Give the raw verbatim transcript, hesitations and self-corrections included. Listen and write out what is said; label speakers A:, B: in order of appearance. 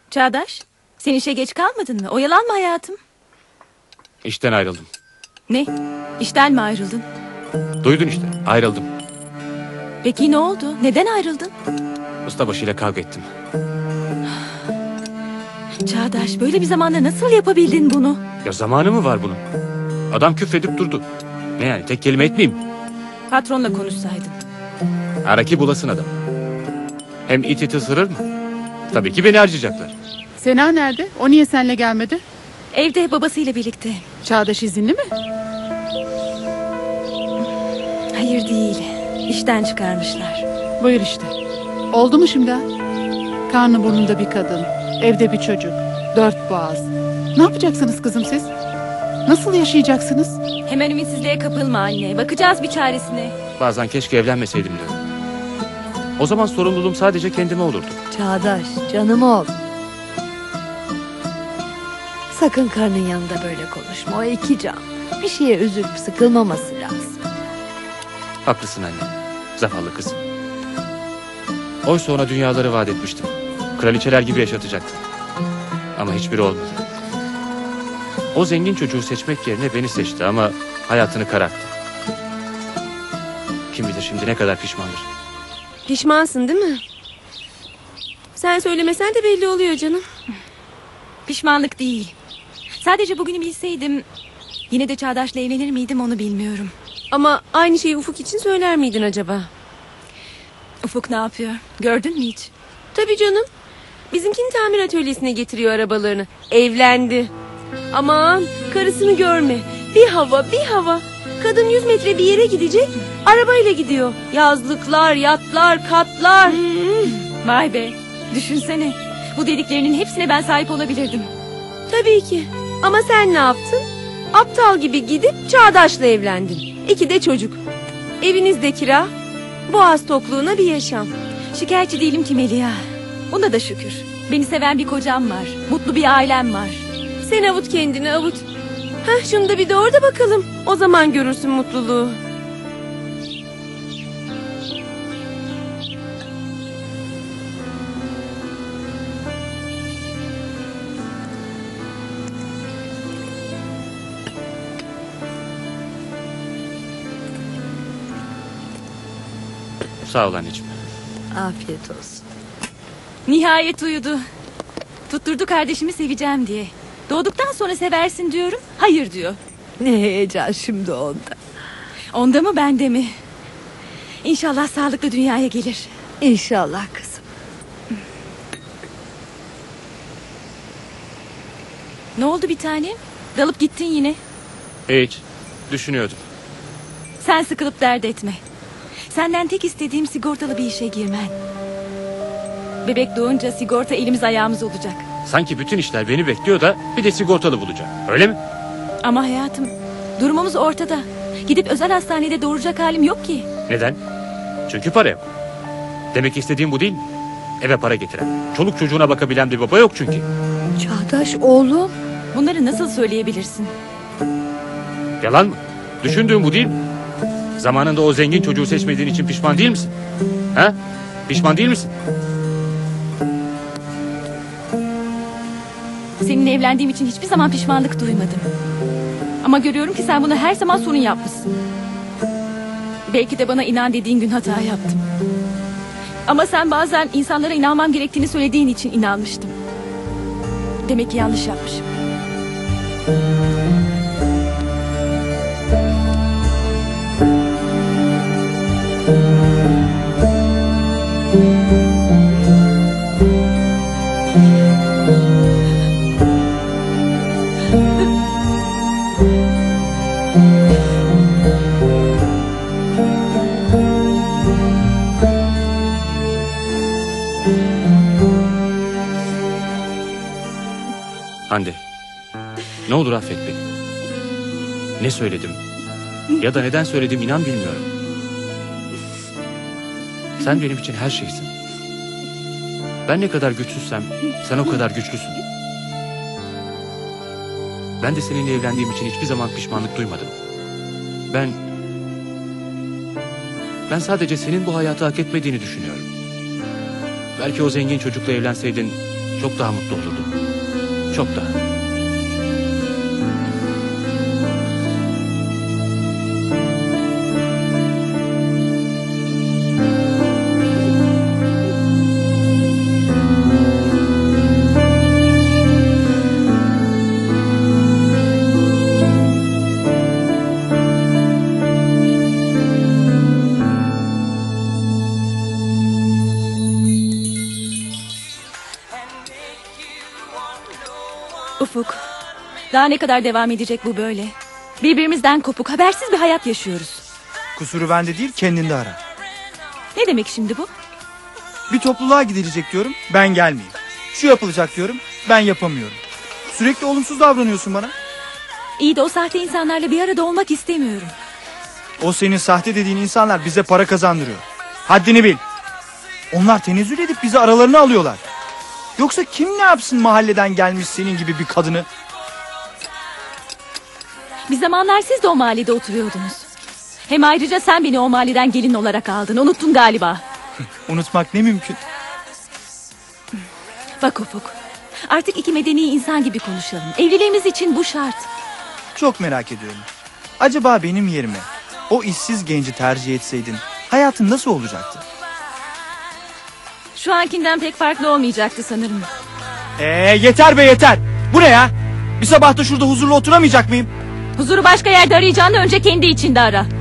A: Çağdaş, sen işe geç kalmadın mı? Oyalanma hayatım.
B: İşten ayrıldım.
A: Ne? İşten mi ayrıldın?
B: Duydun işte, ayrıldım.
A: Peki ne oldu? Neden ayrıldın?
B: Ustabaşıyla kavga ettim.
A: Çağdaş, böyle bir zamanda nasıl yapabildin bunu?
B: Ya zamanı mı var bunun? Adam küfredip durdu. Ne yani, tek kelime etmeyeyim.
A: Patronla konuşsaydın.
B: Araki bulasın adam. Hem it iti ısırır mı? Tabii ki beni harcayacaklar.
C: Sena nerede? O niye seninle gelmedi?
A: Evde babasıyla birlikte.
C: Çağdaş izinli mi?
A: Hayır değil. İşten çıkarmışlar.
C: Buyur işte. Oldu mu şimdi? Karnı burnunda bir kadın, evde bir çocuk, dört boğaz. Ne yapacaksınız kızım siz? Nasıl yaşayacaksınız?
A: Hemen ümitsizliğe kapılma anne. Bakacağız bir çaresine.
B: Bazen keşke evlenmeseydim diyorum. O zaman sorumluluğum sadece kendime olurdu.
D: Çağdaş, canım oğlum. Sakın karnın yanında böyle konuşma. O iki can. Bir şeye üzülüp sıkılmaması lazım.
B: Haklısın anne. Zavallı kızım. Oysa ona dünyaları vaat etmiştim. Kraliçeler gibi yaşatacaktım. Ama hiçbiri olmadı. O zengin çocuğu seçmek yerine beni seçti ama hayatını kararttı. Kim bilir şimdi ne kadar pişmandır.
E: Pişmansın değil mi? Sen söylemesen de belli oluyor canım.
A: Pişmanlık değil. Sadece bugünü bilseydim... Yine de Çağdaş'la evlenir miydim onu bilmiyorum.
E: Ama aynı şeyi Ufuk için söyler miydin acaba?
A: Ufuk ne yapıyor? Gördün mü hiç?
E: Tabii canım. Bizimkinin tamir atölyesine getiriyor arabalarını. Evlendi. Aman karısını görme. Bir hava bir hava. Kadın yüz metre bir yere gidecek. Arabayla gidiyor. Yazlıklar, yatlar, katlar.
A: Hmm, vay be. Düşünsene. Bu dediklerinin hepsine ben sahip olabilirdim.
E: Tabii ki. Ama sen ne yaptın? Aptal gibi gidip Çağdaş'la evlendin. İki de çocuk. Evinizde kira. Boğaz tokluğuna bir yaşam.
A: Şikayetçi değilim ki Melia. Buna da şükür. Beni seven bir kocam var. Mutlu bir ailem var.
E: Sen avut kendini avut. Heh, şunu da bir doğru da bakalım. O zaman görürsün mutluluğu.
B: Sağ ol anneciğim.
D: Afiyet olsun.
A: Nihayet uyudu. Tutturdu kardeşimi seveceğim diye. Doğduktan sonra seversin diyorum. Hayır diyor.
D: Ne heyecan şimdi onda.
A: Onda mı bende mi? İnşallah sağlıklı dünyaya gelir.
D: İnşallah kızım.
A: Ne oldu bir tanem? Dalıp gittin yine.
B: Hiç. Düşünüyordum.
A: Sen sıkılıp dert etme. Senden tek istediğim sigortalı bir işe girmen. Bebek doğunca sigorta elimiz ayağımız olacak.
B: Sanki bütün işler beni bekliyor da bir de sigortalı bulacak. Öyle mi?
A: Ama hayatım, durumumuz ortada. Gidip özel hastanede doğuracak halim yok ki.
B: Neden? Çünkü para yok. Demek istediğim bu değil mi? Eve para getiren, çoluk çocuğuna bakabilen bir baba yok çünkü.
D: Çağdaş oğlum.
A: Bunları nasıl söyleyebilirsin?
B: Yalan mı? Düşündüğüm bu değil mi? Zamanında o zengin çocuğu seçmediğin için pişman değil misin? Ha? Pişman değil misin?
A: Seninle evlendiğim için hiçbir zaman pişmanlık duymadım. Ama görüyorum ki sen bunu her zaman sorun yapmışsın. Belki de bana inan dediğin gün hata yaptım. Ama sen bazen insanlara inanmam gerektiğini söylediğin için inanmıştım. Demek ki yanlış yapmışım.
B: Hande, ne olur affet beni. Ne söyledim ya da neden söyledim inan bilmiyorum. Sen benim için her şeysin. Ben ne kadar güçsüzsem sen o kadar güçlüsün. Ben de seninle evlendiğim için hiçbir zaman pişmanlık duymadım. Ben... Ben sadece senin bu hayatı hak etmediğini düşünüyorum. Belki o zengin çocukla evlenseydin çok daha mutlu olurdum. Çok daha.
A: Ufuk, daha ne kadar devam edecek bu böyle? Birbirimizden kopuk, habersiz bir hayat yaşıyoruz.
F: Kusuru bende değil, kendinde ara.
A: Ne demek şimdi bu?
F: Bir topluluğa gidilecek diyorum, ben gelmeyeyim. Şu yapılacak diyorum, ben yapamıyorum. Sürekli olumsuz davranıyorsun bana.
A: İyi de o sahte insanlarla bir arada olmak istemiyorum.
F: O senin sahte dediğin insanlar bize para kazandırıyor. Haddini bil. Onlar tenezzül edip bizi aralarına alıyorlar. Yoksa kim ne yapsın mahalleden gelmiş senin gibi bir kadını?
A: Bir zamanlar siz de o mahallede oturuyordunuz. Hem ayrıca sen beni o mahalleden gelin olarak aldın. Unuttun galiba.
F: Unutmak ne mümkün.
A: Bak Ufuk, artık iki medeni insan gibi konuşalım. Evliliğimiz için bu şart.
F: Çok merak ediyorum. Acaba benim yerime o işsiz genci tercih etseydin hayatın nasıl olacaktı?
A: Şu ankinden pek farklı olmayacaktı sanırım.
F: Ee yeter be yeter. Bu ne ya? Bir sabah da şurada huzurlu oturamayacak mıyım?
A: Huzuru başka yerde arayacağını önce kendi içinde ara.